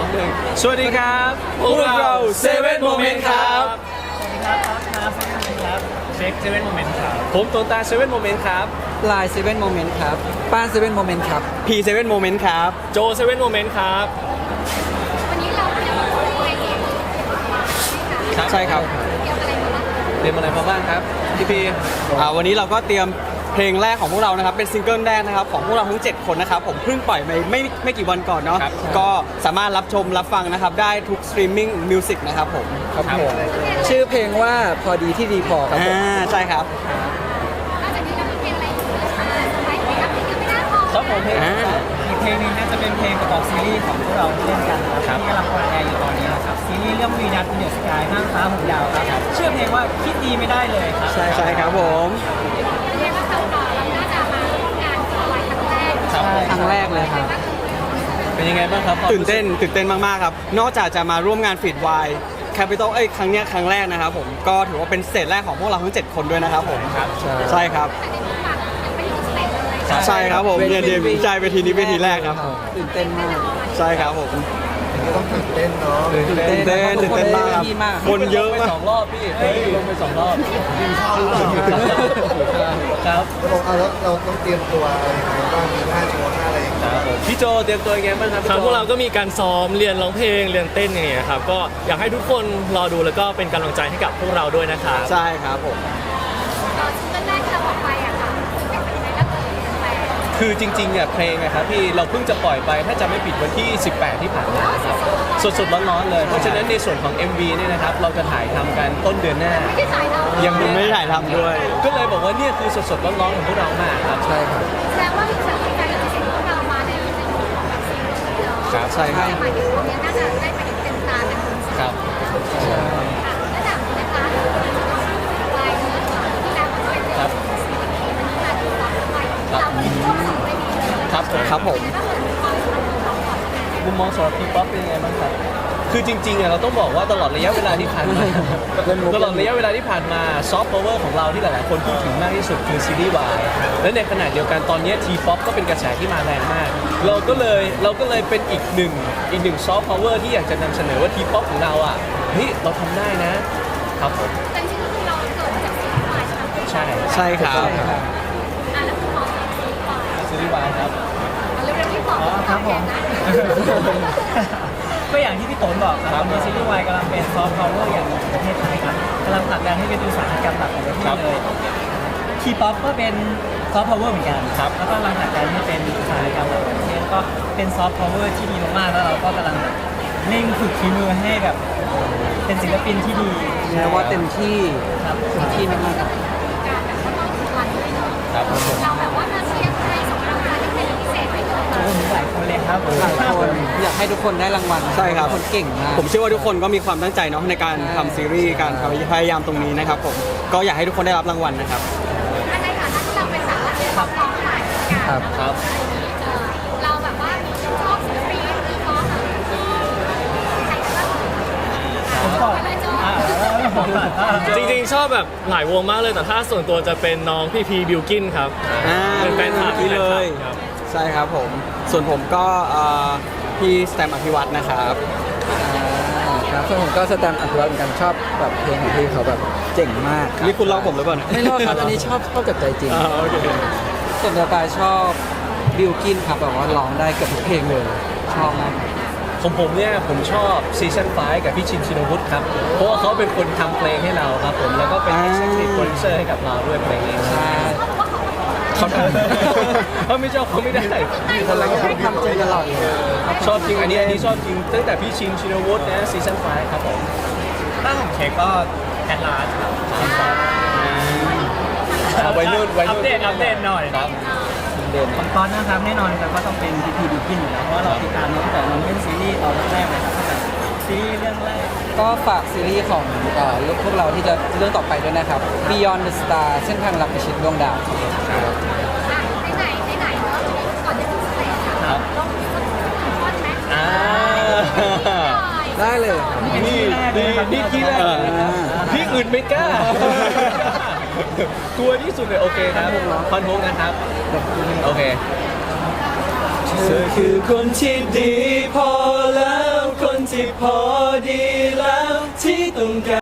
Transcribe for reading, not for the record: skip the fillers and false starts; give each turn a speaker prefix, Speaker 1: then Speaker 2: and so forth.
Speaker 1: สวัสดีครับพวกเราเซเว่นโมเมนต์ครับ
Speaker 2: สวัสดีครับครับเช็คเซเว่นโมเมนต์ครับ
Speaker 1: ผมโตตาเซเว่นโมเมนต์ครับ
Speaker 3: ลายเซเว่นโมเมนต์ครับป้านเซเว่นโมเมนต์ครับ
Speaker 1: พีเซเว่นโมเมนต์ครับ
Speaker 2: โจเซเว่นโมเมนต์ครับ
Speaker 4: วันนี้เราจะมาพูดคุยเกี่ยวกับ
Speaker 1: ใช่ครับ
Speaker 4: เกี่ยวกับอะไรมาบ้าง
Speaker 1: เตรียมอะไรมาบ้างครับพี่พีวันนี้เราก็เตรียมเพลงแรกของพวกเรานะครับเป็นซิงเกิลแรกนะครับของพวกเราทั้ง 7 คนนะครับผมเพิ่งปล่อยไปไม่กี่วันก่อนเนาะก็สามารถรับชมรับฟังนะครับได้ทุกสตรีมมิ่งมิวสิกนะครับผม
Speaker 3: ครับผมชื่อเพลงว่าพอดีที่ดีพอครับผม
Speaker 1: ใช่ครับ
Speaker 4: นอกจากนี้เรามีเพลงอะไรอีกสไปซ์เพลงอัพเพลงยังไม่น่าพอ
Speaker 2: ครับผมเพลง
Speaker 1: อ่า
Speaker 2: อีกเพลงหนึงน่าจะเป็นเพลงประกอบซีรีส์ของพวกเราที่เล่นกันนะครับที่กำลังออนแอร์อยู่ตอนนี้นะครับซีรีส์เรื่องวีนัทเดอะสกายห้างฟ้าหูยาวครับชื่อเพลงว่าคิดดีไม่ได้เลยครับ
Speaker 1: ใช่ครับผม
Speaker 4: เรียกว่าเราน่าจะมาร่วมงานกับไลน์ครั้งแรก
Speaker 2: ครับผม
Speaker 3: ครั้งแรกเลยครับ
Speaker 2: เป็นยังไงบ้างครับ
Speaker 1: ตื่นเต้นมากๆครับนอกจากจะมาร่วมงานฟีดวายแคปิตอลครั้งเนี้ยครั้งแรกนะครับผมก็ถือว่าเป็นสเตจแรกของพวกเราทั้ง 7 คนด้วยนะครับผม
Speaker 2: ครับ
Speaker 1: ใช่ครับ
Speaker 4: แต่ในมุมฝั่งยังไม่ได้สเตจเลย
Speaker 1: ใช่ครับผมเนี่ยเดบิวต์ใจเวทีนี้เวทีแรกครับ
Speaker 3: ตื่นเต้นมาก
Speaker 1: ใช่ครับผม
Speaker 5: ต้องตื่นเต้นเนาะ
Speaker 1: ตื่นเต้นมากครับ
Speaker 3: ดีมาก
Speaker 1: คนเยอะมาก
Speaker 2: 2 รอบพี่ลงไป2 รอบ
Speaker 5: กินข้าวหรือเปล่า
Speaker 2: ครับ
Speaker 5: แล้วเราต้องเตรียมตัวอะไรยังไงบ้างมีท่าโชว์ท่าอะไรอย่างเงี้ย
Speaker 1: พี่โจเตรียมตัวยังไงบ้างครับ
Speaker 2: ครับพวกเราก็มีการซ้อมเรียนร้องเพลงเรียนเต้นอย่างเงี้ยครับก็อยากให้ทุกคนรอดูแล้วก็เป็นกำลังใจให้กับพวกเราด้วยนะครับ
Speaker 1: ใช่ครับผม
Speaker 4: ตอนซิงเกิลแรกที่เราออกไปอะค่ะเป็นยังไงแล้วแฟน
Speaker 6: คือจริงๆอ่ะเพลงนะครับพี่เราเพิ่งจะปล่อยไปถ้าจะไม่ผิดวันที่ 18 ที่ผ่านมาครับสดๆร้อนๆเลย เพราะฉะนั้นในส่วนของ MV เนี่ยนะครับเราจะถ่ายทำกันต้นเดือนหน้า
Speaker 4: ไม่ได้ถ่ายเรา
Speaker 1: ยังไม่ได้ถ่ายทำด้วย
Speaker 6: ก็เลยบอกว่าเนี่ยคือสดๆร้อนๆของพวกเรามากครับ
Speaker 3: ใช่ครับ
Speaker 4: แสดงว่ามีแฟนๆที่เห็นพวกเรามาในมุมของแบบซีรีส์เนาะ
Speaker 6: ครับใช่ครับ
Speaker 4: หมายถึงตรงนี้น่าจะได้ไปเต็มตาเต็มมือ
Speaker 6: ครับ
Speaker 4: ระดับนี้นะคะลายนี้ที่แล้วก็เป็น
Speaker 6: ครับ
Speaker 4: เราเป็นช่วงสองได้ดีเลย
Speaker 6: ครับผม
Speaker 1: ครับผม
Speaker 6: มุมมองสำหรับทีป๊อปเป็นยังไงบ้างครับคือจริงๆอ่ะเราต้องบอกว่าตลอดระยะเวลาที่ผ่านมาตลอดระยะเวลาที่ผ่านมาซอฟต์พาวเวอร์ของเราที่หลายๆคนพูดถึงมากที่สุดคือซีรีส์วายและในขณะเดียวกันตอนนี้ทีป๊อปก็เป็นกระแสที่มาแรงมาก เราก็เลยเป็นอีกหนึ่งซอฟต์พาวเวอร์ที่อยากจะนำเสนอว่าทีป๊อปของเราอ่ะเฮ้ยเราทำได้นะครับผม
Speaker 4: แต่จริงๆเราเกิดมาจากซีรีส์วายใช่ไหม
Speaker 6: ใช่
Speaker 1: ใช่ครับ
Speaker 4: แล้วคุณหมอซีรีส์วาย
Speaker 6: ซีรีส์วายครับ
Speaker 4: เร็วๆที่บอก
Speaker 2: ครับผม ก็อย่างที่พี่โตนบอกครับตอนนี้ซีรีส์วายกำลังเป็นซอฟต์พาวเวอร์อย่างหนึ่งของประเทศไทยครับกำลังผลักดันให้เป็นอุตสาหกรรมหลักของประเทศเลยทีป๊อปก็เป็นซอฟต์พาวเวอร์เหมือนกันครับแล้วก็กำลังผลักดันให้เป็นอุตสาหกรรมหลักของประเทศก็เป็นซอฟต์พาวเวอร์ที่ดีมากๆแล้วเราก็กำลังเร่งฝึกฝีมือให้แบบเป็นศิลปินที่ดี
Speaker 3: แม้ว่าเต็มที่
Speaker 2: ครับ
Speaker 3: เต็มที่มากๆครับ
Speaker 4: การแบบว่าต้องวันด้วยเนาะ
Speaker 6: ครับผม
Speaker 4: เราแบบว่ามาเชียร์ให้สงกรานต์ที่เป็นพิเศษไปเลย
Speaker 2: โอ้โหหลายคนเลยครับ
Speaker 3: หลายคนอยากให้ทุกคนได้รางวัล
Speaker 1: ใช่ครับ
Speaker 3: ทุกคนเก่งมาก
Speaker 1: ผมเชื่อว่าทุกคนก็มีความตั้งใจเนาะในการทำซีรีส์การพยายามตรงนี้นะครับผมก็อยากให้ทุกคนได้รับรางวัลนะครับ
Speaker 4: ในฐานะที่เราเป็นสาวเชียร์ร้องหลายกัน
Speaker 3: ครับ
Speaker 6: ครับ
Speaker 4: เราแบบว่าชอบศิลปินหรือร้องใครบ้าง
Speaker 2: ผมก่อนผมก่อน
Speaker 7: จริงๆ ชอบแบบหลายวงมากเลยแต่ถ้าส่วนตัวจะเป็นน้องพี่พีบิวกินครับ เป็นแฟนคลับ
Speaker 1: ที่เลย
Speaker 7: ครับ
Speaker 1: ใช่ครับผมส่วนผมก็พี่สแตมป์อภิวัตนะครับ
Speaker 3: ครับส่วนผมก็สแตมป์อภิวัตเหมือนกันชอบแบบเพลงของพี่เขาแบบเจ๋งมาก
Speaker 1: นี่คุณลอกผมหรือเปล่าเนี่ย
Speaker 3: ไม่รอดครับอันนี้ชอบกับใจจริง
Speaker 1: โอเค
Speaker 3: ส่วนตัวกายชอบบิลกินครับแบบว่าร้องได้เกือบทุกเพลงเลย ชอบมาก
Speaker 6: ของผมเนี่ยผมชอบซีซั่น5กับพี่ชินชินวุฒิครับเพราะว่าเขาเป็นคนทำเพลงให้เราครับผมแล้วก็เป็น executive producer ให้กับเราด้วยเพลงนี้
Speaker 3: ใช่
Speaker 6: เขาทำเขาไม่ชอบเขาไม่ได้
Speaker 3: คนเราก็ทำจริงตลอดเลย
Speaker 6: ชอบจริงอันนี้ชอบจริงตั้งแต่พี่ชินชินวุฒินะซีซั่น5ครับผม
Speaker 2: ถ้าของเค้กก็แทนลาสครับ
Speaker 6: วัยรุ่น
Speaker 2: อัปเดตหน่อย
Speaker 6: ครับ
Speaker 3: เด่น
Speaker 2: ของตอนนะครับแน่นอนครับก็ต้องเป็นพีพีบิวกินอยู่แล้วเพราะว่าเราติดตามน้องตั้งแต่น้องเล่นซีรีส์ตอนแรกเลยครับตั้งแต่ซีรีส์เรื่องแรก
Speaker 3: ก็ฝากซีรีส์ของพวกเราที่จะเรื่องต่อไปด้วยนะครับ Beyond the Star เส้นทางลับประชิดดวงดาว
Speaker 4: ไหนเนาะก่อนจะถึงสเตจค่ะต้องมีสักท่อนไหม
Speaker 6: อ่า
Speaker 3: ได้เลยครับ
Speaker 6: นี่ที่แรกเลยนะครับพี่อื่นไม่กล้า กลัวที่สุดเลยโอเคครับคอนโทงนะครับโอเค
Speaker 1: เธอคือคนที่ดีพอแล้วค
Speaker 6: พอดีแล้วที่ต้องการ